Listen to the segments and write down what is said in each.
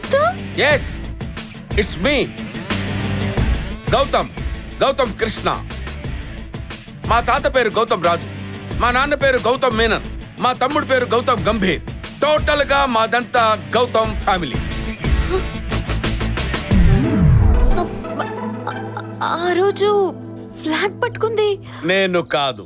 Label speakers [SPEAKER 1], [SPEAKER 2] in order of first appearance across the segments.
[SPEAKER 1] Gautam?
[SPEAKER 2] Yes, it's me Gautam. Gautam Krishna. మా తాత పేరు గౌతమ్ రాజు, మా నాన్న పేరు గౌతమ్ మేనన్, మా తమ్ముడు పేరు గౌతమ్ గంభీర్. టోటల్ గా మాదంతా గౌతమ్ ఫ్యామిలీ.
[SPEAKER 1] ఆ రోజు ఫ్లాగ్ పట్టుకుంది
[SPEAKER 2] నేను కాదు,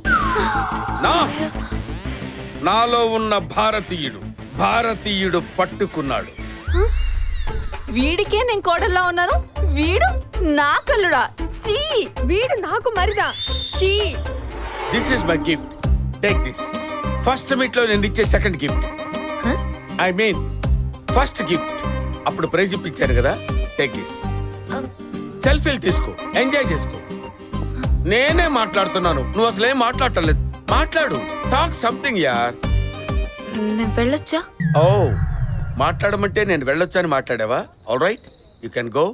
[SPEAKER 2] నాలో ఉన్న భారతీయుడు పట్టుకున్నాడు.
[SPEAKER 3] వీడికే నేను కోడల్లా ఉన్నాను, వీడు నా కల్లుడా. చీ, వీడు నాకు మరిదా. చీ.
[SPEAKER 2] This is my gift, take this. First meet లో నేను ఇచ్చే second gift. I mean first gift. అప్పుడు ప్రైజ్ ఇప్పించాను కదా, టేక్ దిస్. సెల్ఫీలు తీసుకో, ఎంజాయ్ చేసుకో. నేనే మాట్లాడుతున్నాను, నువ్వు అసలు ఏం మాట్లాడటలేదు. మాట్లాడు, టాక్ సంథింగ్ యార్.
[SPEAKER 1] నేను వెళ్ళొచ్చా?
[SPEAKER 2] ఓ, మాట్లాడమంటే నేను వెళ్ళొచ్చా అని మాట్లాడావా? All right, you can go.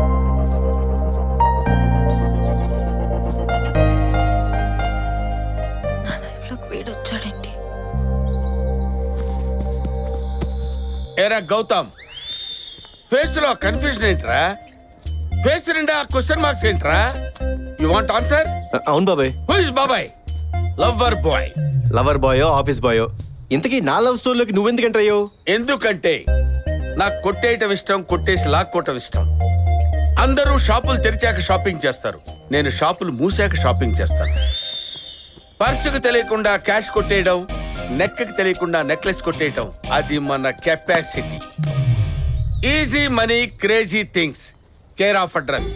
[SPEAKER 1] నా లైఫ్ లోకి వీడొచ్చాడేంటి?
[SPEAKER 2] ఏరా గౌతమ్, ఫేస్ లో కన్ఫ్యూజన్ ఏంట్రా? ఫేస్ నిండా క్వశ్చన్ మార్క్స్ ఏంట్రా? You want answer?
[SPEAKER 4] అవును బాబాయ్.
[SPEAKER 2] హూ ఇస్ బాబాయ్? Lover boy.
[SPEAKER 4] లవర్ బాయో ఆఫీస్ బాయో, ఇంతకీ నా లవ్ స్టోరీలోకి నువ్వెందుకు ఎంటర్ అయ్యావు?
[SPEAKER 2] ఎందుకంటే నాకు కొట్టేయటం ఇష్టం, కొట్టేసి లాక్కోవటం ఇష్టం. అందరూ షాపులు తెరిచాక షాపింగ్ చేస్తారు, నేను షాపులు మూసాక షాపింగ్ చేస్తాను. పర్సుకు తెలియకుండా క్యాష్ కొట్టేయడం, నెక్కి తెలియకుండా నెక్లెస్ కొట్టేయడం, అది మన capacity. Easy money, crazy things, care of address.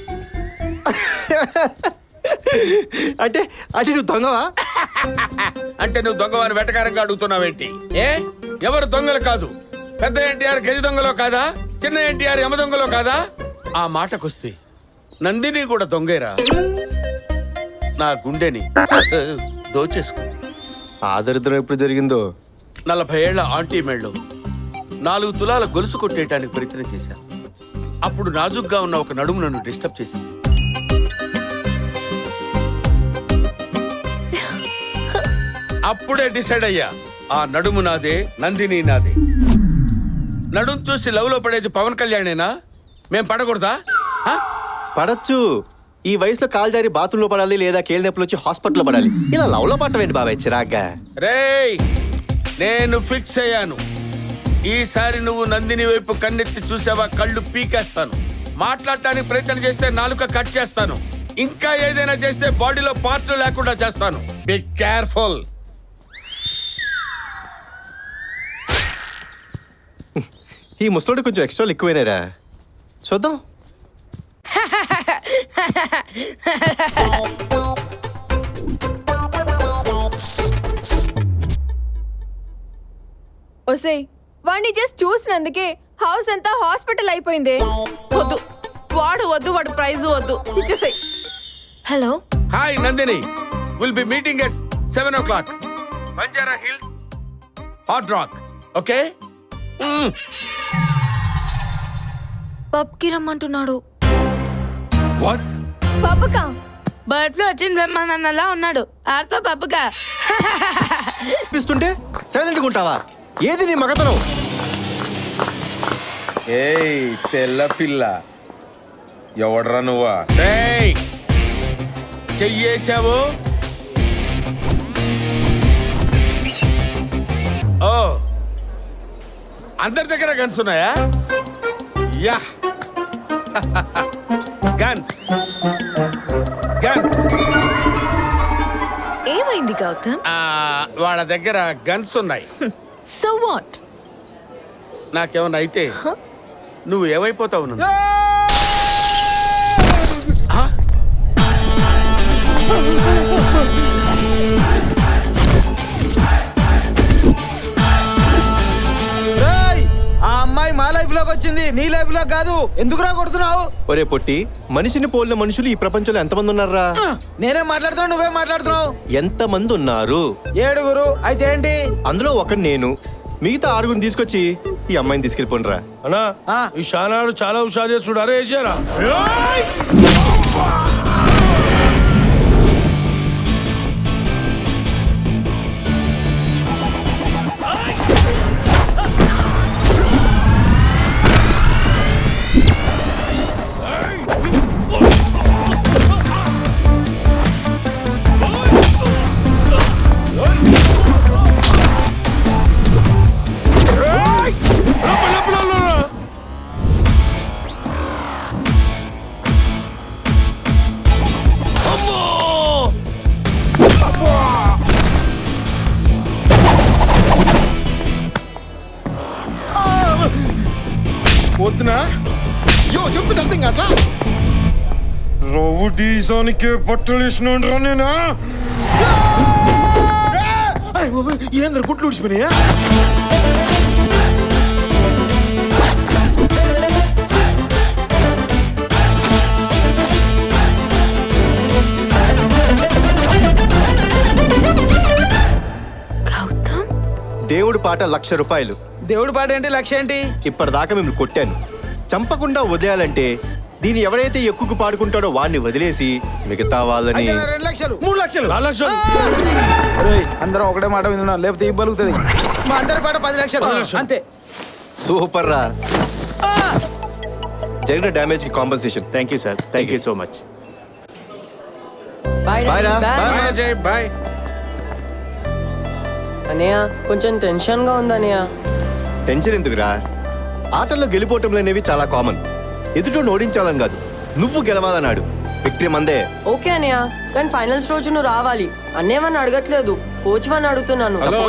[SPEAKER 4] అంటే అంటే నువ్వు దొంగవా?
[SPEAKER 2] అంటే నువ్వు దొంగవాని వెటకారంగా అడుగుతున్నావేంటి? ఏ, ఎవరు దొంగలు కాదు. పెద్ద ఎన్టీఆర్ గది దొంగలో కాదా, చిన్న ఎన్టీఆర్ యమ దొంగలో కాదా? ఆ మాటకొస్తే నందిని కూడా దొంగేరా. నా గుండెని దోచేసుకో.
[SPEAKER 4] ఆ దరిద్రం ఎప్పుడు జరిగిందో?
[SPEAKER 2] 40 ఏళ్ల ఆంటీ మెళ్ళు 4 తులాల గొలుసు కొట్టేయటానికి ప్రయత్నం చేశాను. అప్పుడు నాజుగ్గా ఉన్న ఒక నడుము నన్ను డిస్టర్బ్ చేసింది. అప్పుడే డిసైడ్ అయ్యా, ఆ నడుము నాదే, నందిని నాదే. నడుము చూసి లవ్ లో పడేది పవన్ కళ్యాణేనా? మేం పడకూడదా?
[SPEAKER 4] పడచ్చు. ఈ వయసులో కాలు జారి బాత్రూంలో పడాలి, లేదా కేళ్ళ నొప్పులు వచ్చి హాస్పిటల్లో పడాలి. ఇలా లవ్ లో పట్టవేంటి బాబాయ్ చిరాగ్గా?
[SPEAKER 2] రేయ్, నేను ఫిక్స్ అయ్యాను. ఈసారి నువ్వు నందిని వైపు కన్నెత్తి చూసావా, కళ్ళు పీకేస్తాను. మాట్లాడటానికి ప్రయత్నం చేస్తే నాలుక కట్ చేస్తాను. ఇంకా ఏదైనా చేస్తే బాడీలో పార్ట్లు లేకుండా చేస్తాను. Be careful.
[SPEAKER 4] ఈ ముసలోడు కొంచెం ఎక్స్ట్రా ఎక్కువైనారా? చూద్దాం.
[SPEAKER 3] ఒసేయ్, వాడిని జస్ట్ చూసినందుకే హౌస్ అంతా హాస్పిటల్ అయిపోయింది. వద్దు, వాడు ప్రైజ్ వద్దు, ఇచ్చేసాయి.
[SPEAKER 1] Hello.
[SPEAKER 2] Hi Nandini, will be meeting at 7 o'clock. Banjara Hills, Hot Rock. Okay?
[SPEAKER 1] పబ్కి రమ్మంటున్నాడు.
[SPEAKER 2] వాట్?
[SPEAKER 3] పబ్బకా?
[SPEAKER 5] బర్డ్ ఫ్లూ వచ్చిన బ్రహ్మానందలా ఉన్నాడు. ఆర్తో పప్పుగా
[SPEAKER 4] పిస్తుంటే సైలెంట్గా ఉంటావా? ఏది నీ మగతనం?
[SPEAKER 2] ఏయ్ తెల్ల పిల్ల, ఎవడ్రా నువ్వా? చెయ్యేశావు. ఓ, అందరి దగ్గర గన్స్ ఉన్నాయా? Yeah, guns guns.
[SPEAKER 1] ఏమైంది గౌతమ్?
[SPEAKER 2] వాళ్ళ దగ్గర గన్స్ ఉన్నాయి.
[SPEAKER 1] So what?
[SPEAKER 2] నాకేమన్నా అయితే నువ్వు ఏమైపోతావు? నన్ను
[SPEAKER 6] ఆ అమ్మాయి మా లైఫ్ లోకి వచ్చింది, నీ లైఫ్ లో కాదు. ఎందుకురా కొడుతున్నావు?
[SPEAKER 4] ఒరే పొట్టి, మనిషిని పోలిన మనుషులు ఈ ప్రపంచంలో ఎంతమంది ఉన్నారా?
[SPEAKER 6] నేనేం మాట్లాడుతున్నావు, నువ్వే మాట్లాడుతున్నావు.
[SPEAKER 4] ఎంతమంది ఉన్నారు?
[SPEAKER 6] 7. అయితే ఏంటి?
[SPEAKER 4] అందులో ఒకటి నేను. మిగతా 6 తీసుకొచ్చి ఈ అమ్మాయిని తీసుకెళ్ళిపోండిరా.
[SPEAKER 7] అన్నా, ఈ షానాడు చాలా హుషారు చేస్తుడు. అరే వేసారా? చెప్తున్నా
[SPEAKER 8] చెప్తున్నా అర్థం కావట్లా
[SPEAKER 7] రౌడీజానికే పట్టలేసిన నేనా
[SPEAKER 8] ఏంద్ర గుట్లు ఊడిచిపోయినాయా
[SPEAKER 1] గౌతమ్
[SPEAKER 4] దేవుడి పాట ₹1,00,000.
[SPEAKER 6] దేవుడి పాట ఏంటి లక్ష్యం ఏంటి?
[SPEAKER 4] ఇప్పటిదాకా మిమ్మల్ని కొట్టాను. చంపకుండా వదిలేయాలంటే దీన్ని ఎవరైతే ఎక్కువ పాడుకుంటాడో వాడిని వదిలేసి మిగతా వాళ్ళని
[SPEAKER 6] అయితే నా 2 లక్షలు.
[SPEAKER 8] 3 లక్షలు
[SPEAKER 7] 4 లక్షలు
[SPEAKER 6] అరేయ్, అందరం ఒకటే మాట వింటున్నాం, లేకపోతే ఇవ్వగలుగుతుంది. మా అందరి పాట 10 లక్షలు.
[SPEAKER 7] 10 లక్షలు.
[SPEAKER 6] అంతే.
[SPEAKER 4] సూపర్ రా. జరిగిన డ్యామేజ్ కి compensation.
[SPEAKER 9] Thank you sir, thank you so much.
[SPEAKER 4] Bye రా. బాయ్.
[SPEAKER 2] అజయ్ బాయ్.
[SPEAKER 10] అనయ్య కొంచెం టెన్షన్ గా ఉంది అనయ్య.
[SPEAKER 4] టెన్షన్ ఎందుకురా? ఆటల్లో గెలిపోవటంలు అనేవి చాలా కామన్. ఎదుటోని ఓడించాలని కాదు, నువ్వు గెలవాలన్నాడు. విక్టరీ మందే.
[SPEAKER 10] ఓకే అనయ్య, కానీ ఫైనల్స్ రోజు నువ్వు రావాలి. అన్నేమని అడగట్లేదు, కోచ్ వని అడుగుతున్నాను.
[SPEAKER 2] హలో